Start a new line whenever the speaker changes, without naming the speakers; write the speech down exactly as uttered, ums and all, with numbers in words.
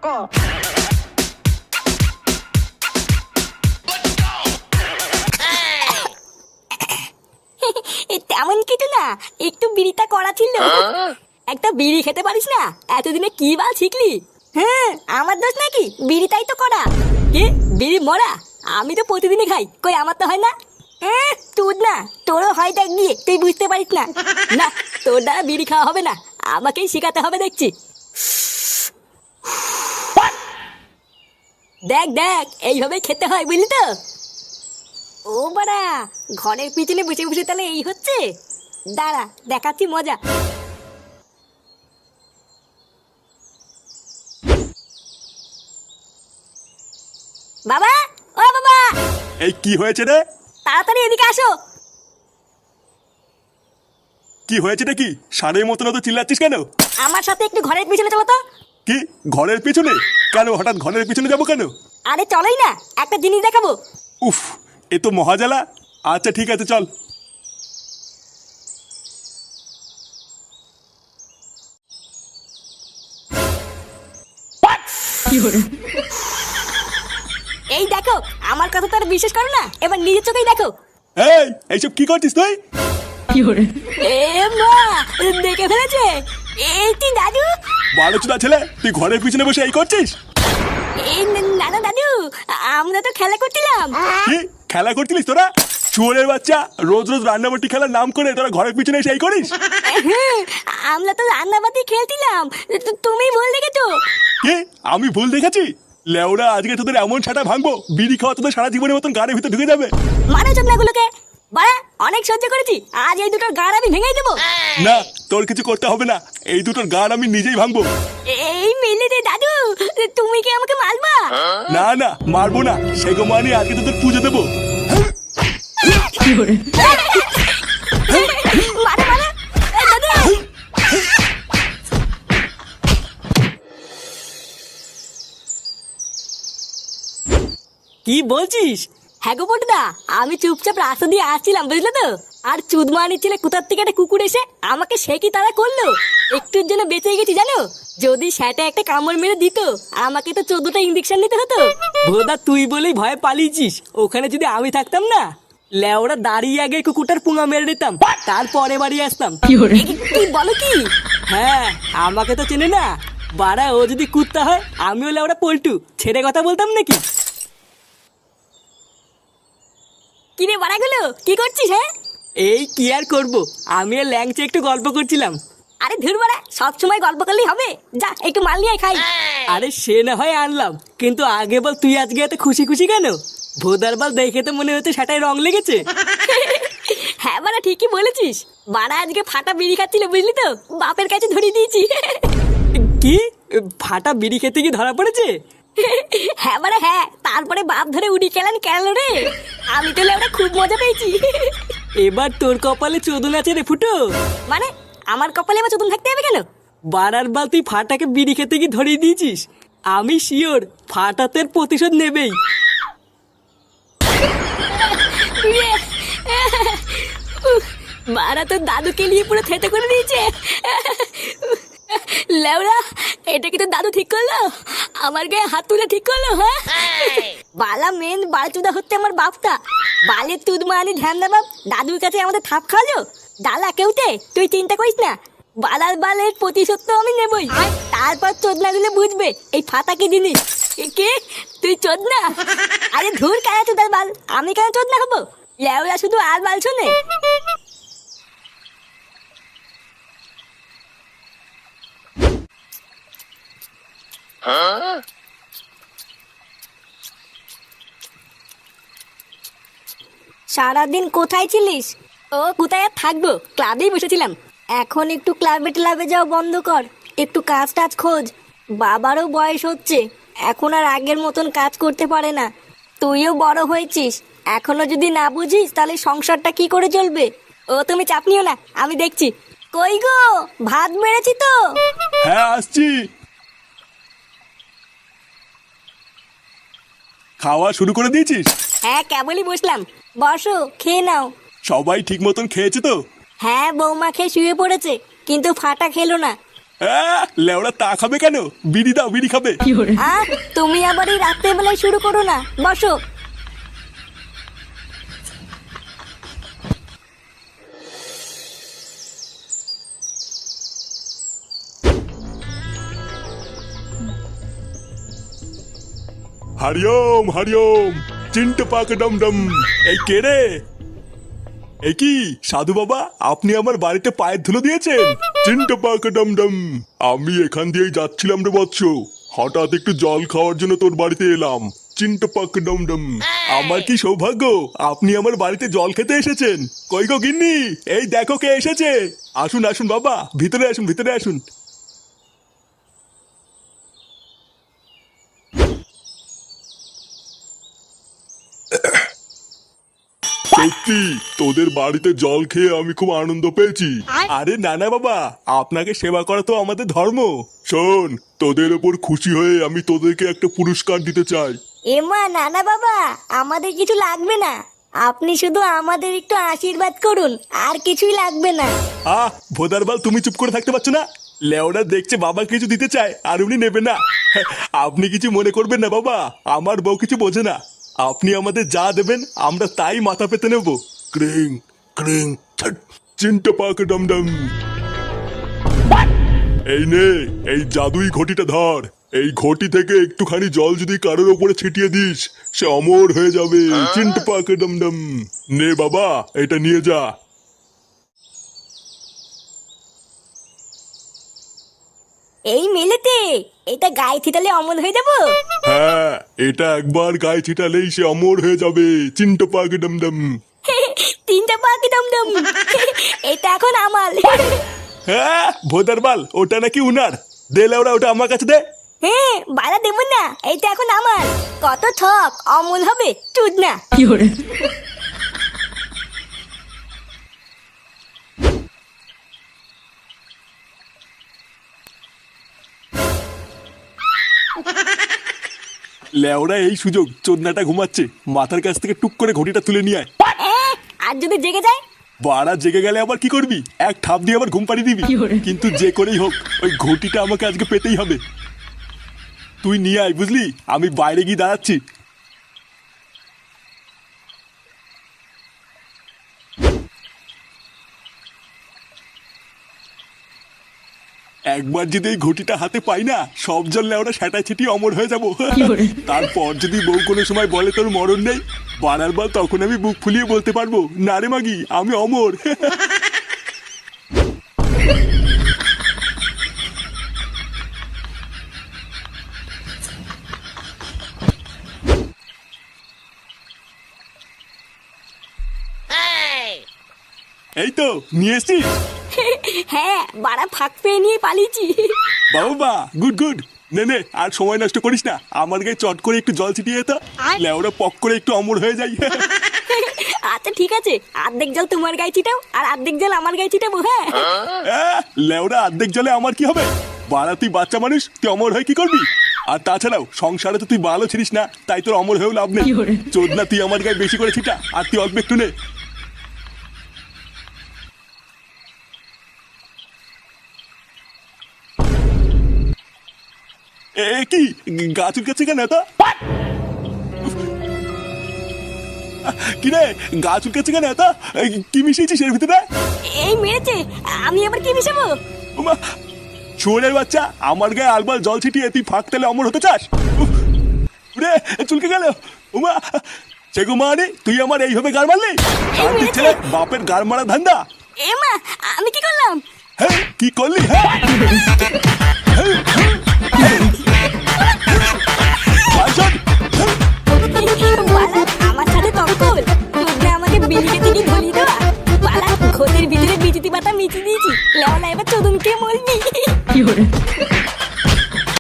তেমন কিছু না, একটু বিড়িটা করা ছিল। একটা বিড়ি খেতে পারিস না? এতদিনে কি বাল শিখলি? হ্যাঁ, আমার দোষ নাকি? বিড়িটাই তো করা। কি বিড়ি মরা? আমি তো প্রতিদিনই খাই, কই আমার তো হয় না। তুই না, তোরও হয় দেখ গিয়ে, তুই বুঝতে পারিস না। না, তোর দ্বারা বিড়ি খাওয়া হবে না, আমাকেই শিখাতে হবে দেখছি। দেখ দেখ, এইভাবেই খেতে হয়, বুঝলি তো? ও বাড়া, ঘরের পিছনে বসে বসে তাহলে এই হচ্ছে? দাঁড়া, দেখাচ্ছি মজা। বাবা, ও বাবা।
এই কি হয়েছে রে?
তাড়াতাড়ি এদিকে আসো।
কি হয়েছে নাকি? সারের মতন তো চিল্লাচ্ছিস কেন?
আমার সাথে একটু ঘরের পিছনে চলো তো।
কি ঘরের পিছনে? কেন হঠাৎ ঘরের পিছনে যাবো কেন?
আরে চলোই না, একটা জিনিস দেখাবো।
উফ, এ তো মহাজালা। আচ্ছা ঠিক আছে, চল।
এই দেখো, আমার কথা তো আর বিশ্বাস করো না, এবার নিজের চোখেই দেখো।
এই এইসব কি করছিস তুই?
এ মা, দেখে ফেলেছে। এই তুই দাদু?
বালচুদা ছেলে, তুই ঘরের পিছনে বসে এই করছিস?
এই না না দাদু, আমরা তো খেলা করছিলাম।
কি খেলা করছিলিস তোরা? চুয়ারের বাচ্চা, রোজ রোজ রান্নাবাটি খেলার নাম করে তোরা ঘরের পিছনে এসে এই করিস?
আমরা তো রান্নাবাতি খেলছিলাম, তুমি ভুল দেখেছো।
কি আমি ভুল দেখেছি? লেওরা, আজকে তোদের এমন ছাটা ভাঙবো, বিড়ি খাওয়া তোদের সারা জীবনের মতন গাড়ির ভিতরে ঢুকে যাবে।
মানে চোখনাগুলোকে বাড়া, অনেক সহ্য করেছি, আজ এই দুটোর গাড় আমি ভেঙে দেবো।
না, তোর কিছু করতে হবে না, এই দুটোর গাড় আমি নিজেই ভাঙবো।
এই মিলে দে দাদু, তুমি কি আমাকে মারবা?
না না, মারবো না, সেগো মানি আজকে তোদের পুজো দেবো।
মারা মারা, এই দাদু।
কি বলছিস?
হ্যাঁ গো বটদা, আমি চুপচাপ রাস্তা দিয়ে আসছিলাম, বুঝলে তো? আর চুদমানির ছেলে কোথার থেকে একটা কুকুর এসে আমাকে সে কি তারা করলো। একটুর জন্য বেঁচে গেছি জানো। যদি সেটা একটা কামড় মেরে দিত, আমাকে তো চোদ্দটা ইঞ্জেকশন নিতে হতো।
ভোদা, তুই বলেই ভয়ে পালিয়েছিস। ওখানে যদি আমি থাকতাম না, লেওরা দাঁড়িয়ে আগে কুকুরটার পুঙা মেরে দিতাম, তারপরে বাড়ি আসতাম।
কি বলো কি?
হ্যাঁ, আমাকে তো চেনে না বাড়া। ও যদি কুত্তা হয়, আমিও লেওরা পল্টু, ছেড়ে কথা বলতাম নাকি?
কিরে বাড়াগুলো, কি করছিস? হ্যাঁ,
এই কি আর করবো, আমি আর ল্যাংচে একটু গল্প করছিলাম।
আরে ধুর বাড়া, সবসময় গল্প করলেই হবে? যা একটু মাল নিয়ে খাই।
আরে সে না হয় আনলাম, কিন্তু আগে বল তুই আজকে এত খুশি খুশি কেন? ভোদার বাল দেখে তো মনে হচ্ছে সেটাই রং লেগেছে।
হ্যাঁ বাড়া, ঠিকই বলেছিস। বাড়া আজকে ফাটা বিড়ি খাচ্ছিল, বুঝলি তো? বাপের কাছে ধরিয়ে দিয়েছি।
কি ফাটা বিড়ি খেতে কি ধরা পড়েছে?
হ্যাঁ বাড়া হ্যাঁ, তারপরে বাপ ধরে উড়ি খেলেন কেন রে? আমি তো লেওরা খুব মজা পেয়েছি।
এবার তোর কপালে চোদন আছে রে ফুটো।
মানে আমার কপালে এবার চতুন থাকতে হবে কেন?
বারার বাল তুই ফাটাকে বিড়ি খেতে কি ধরিয়ে দিয়েছিস। আমি শিওর ফাটাতের প্রতিশোধ নেবেই।
বাড়া তো দাদুকে নিয়ে পুরো থেতে করে দিয়েছে। লেওরা, এটা কি তো দাদু ঠিক করলো? আমার গায়ে হাত তুলে ঠিক করলো? হ্যাঁ, বালা মেন বালচুদা হচ্ছে আমার বাপটা। বালের তুদ মানি ধ্যান দা বাপ, দাদুর কাছে আমাদের থাপ খাওয়ালো। ডালা কেউতে, তুই চিন্তা করিস না। বালার বালের প্রতিশোধ তো আমি নেবই। তারপর চোদনা দিলে বুঝবে এই ফাটা কি জিনিস। কে তুই চোদনা? আরে ধুর, কেন চোদার বাল? আমি কেন চোদনা হবো? লেওরা শুধু আর বাল শোনে। সারাদিন কোথায় ছিলিস? ও কোথায় আর থাকবো, ক্লাবেই বসেছিলাম। এখন একটু ক্লাবে ক্লাবে যাও বন্ধ কর, একটু কাজ টাজ খোঁজ। বাবারও বয়স হচ্ছে, এখন আর আগের মতন কাজ করতে পারে না। তুইও বড় হয়েছিস, এখনো যদি না বুঝিস তাহলে সংসারটা কি করে চলবে? ও তুমি চাপ নিও না, আমি দেখছি। কই গো, ভাত বেড়েছি তো।
হ্যাঁ আসছি। খাওয়া শুরু করে দিয়েছিস?
হ্যাঁ, কেবলই বসলাম, বসো খেয়ে নাও।
সবাই ঠিক মতন খেয়েছে তো?
হ্যাঁ, বৌমা খেয়ে শুয়ে পড়েছে, কিন্তু ফাটা খেলো না।
আহ, লেওড়া তা খাবে কেন? বিড়ি দাও, বিড়ি খাবে।
আহ, তুমি আবার এই রাত্রে বেলায় শুরু করো না, বসো।
হরিওম হরিওম, চিন্ট পাক ডম ডম। এই কে রে? এই কি সাধু বাবা, আপনি আমার বাড়িতে পায়ের ধুলো দিয়েছেন? চিন্ট পাক ডম ডম, আমি এখান দিয়েই যাচ্ছিলাম রে বৎস, হঠাৎ একটু জল খাওয়ার জন্য তোর বাড়িতে এলাম। চিন্ট পাক ডম ডম, আমার কি সৌভাগ্য, আপনি আমার বাড়িতে জল খেতে এসেছেন। কই গো গিন্নি, এই দেখো কে এসেছে। আসুন আসুন বাবা, ভিতরে আসুন, ভিতরে আসুন। সত্যি তোদের বাড়িতে জল খেয়ে আমি খুব আনন্দ পেয়েছি। আরে না না বাবা, আপনাকে সেবা করা তো আমাদের ধর্ম। শোন, তোদের ওপর খুশি হয়ে আমি তোদেরকে একটা পুরস্কার দিতে চাই।
এমা না না বাবা, আমাদের কিছু লাগবে না, আপনি শুধু আমাদের একটু আশীর্বাদ করুন, আর কিছুই লাগবে না।
আহ ভোদারবাল, তুমি চুপ করে থাকতে পারছো না? লেওরা দেখছে বাবা কিছু দিতে চায় আর উনি নেবে না। আপনি কিছু মনে করবেন না বাবা, আমার বউ কিছু বোঝে না। আপনি আমাদের যা দেবেন আমরা তাই মাথা পেতে নেব। ক্রিং ক্রিং ছট, চিন্টা পাক ডম ডম। এই নে, এই জাদুই ঘটিটা ধর। এই ঘটি থেকে একটুখানি জল যদি কারোর ওপরে ছিটিয়ে দিস, সে অমর হয়ে যাবে। চিন্টা পাক ডম ডম। নে বাবা, এটা নিয়ে যা।
এই মেলেতে এটা গায়ে ছিটালে অমল হয়ে যাবো?
হ্যাঁ, এটা একবার গায়ে ছিটালেই সে অমর হয়ে যাবে। চিন্টা পাক ডম ডম।
তিনটা পাখি দমদম, এটা এখন আমার।
হ্যাঁ ভোদারবাল, ওটা নাকি উনার। দে লেওরা, ওটা আমার কাছে দে।
হ্যাঁ, বাড়া দেবো না, এটা এখন আমার। কত ঠক, অমল হবে চুদ না।
লেওরা এই সুযোগ, চোদনাটা ঘুমাচ্ছে, মাথার কাছ থেকে টুক করে ঘটিটা তুলে নিয়ে আয়।
এ, আর যদি জেগে যায়?
বাড়া জেগে গেলে আবার কি করবি? এক ঠাপ দিয়ে আবার ঘুম পাড়িয়ে দিবি। কিন্তু যে করেই হোক ওই ঘটিটা আমাকে আজকে পেতেই হবে। তুই নিয়ে আয়, বুঝলি? আমি বাইরে গিয়ে দাঁড়াচ্ছি। একবার যদি এই ঘটিটা হাতে পাই না, সব জল লেওরা সেটা ছিটি অমর হয়ে যাবো। তারপর যদি বউ কোনো সময় বলে তোর মরণ নেই, বাড়ার বার তখন আমি বুক ফুলিয়ে বলতে পারবো, না রে মাগি, আমি অমর। এই তো নিয়ে এসছিস?
হ্যাঁ, বাড়া ফাঁক পেয়ে নিয়ে পালিয়েছি।
বাবা গুড গুড। নে নে, আর সময় নষ্ট করিস না, আমার গায়ে চট করে একটু জল ছিটিয়ে তো, লেওরা পক করে একটু অমর হয়ে যাই।
আচ্ছা ঠিক আছে, অর্ধেক জল তোমার গায়ে ছিটাও আর অর্ধেক জল আমার গায়ে ছিটাবো। হ্যাঁ
আহ, লেওরা অর্ধেক জলে আমার কি হবে? বাড়া তুই বাচ্চা মানুষ, তুই অমর হয়ে কি করবি? আর তাছাড়াও সংসারে তো তুই ভালো ছিলিস না, তাই তোর অমর হয়েও লাভ নেই। চোদনা, তুই আমার গায়ে বেশি করে ছিটা আর তুই অল্প একটু নে। এ কি গাছ উঠছে কেন এত? কি রে, গাছ উঠছে কেন এত? কি মিশিয়েছিস এর ভিতরে?
এই মেরেছে, আমি আবার কি মিশাবো?
ওমা, শুয়োরের বাচ্চা, আমার গায়ে আলবাল জল ছিটিয়ে তুই ফাঁক তেলে অমর হতে চাস? উফ, রে চুলকে গেল। উমা, সেগু মানে তুই আমার এইভাবে গার মারলি? তার দিচ্ছে বাপের গার মারা ধান্দা।
এ মা, আমি কি করলাম?
হ্যাঁ কি করলি? হ্যাঁ
আমার সাথে তর্কল, তোমরা আমাকে বিলিকে থেকে ধরিয়ে দেওয়া। পালা ঘরের ভিতরে বিচিতি পাতা মিচি দিয়েছি, লেওয়া এবার চোদনকে মরবি।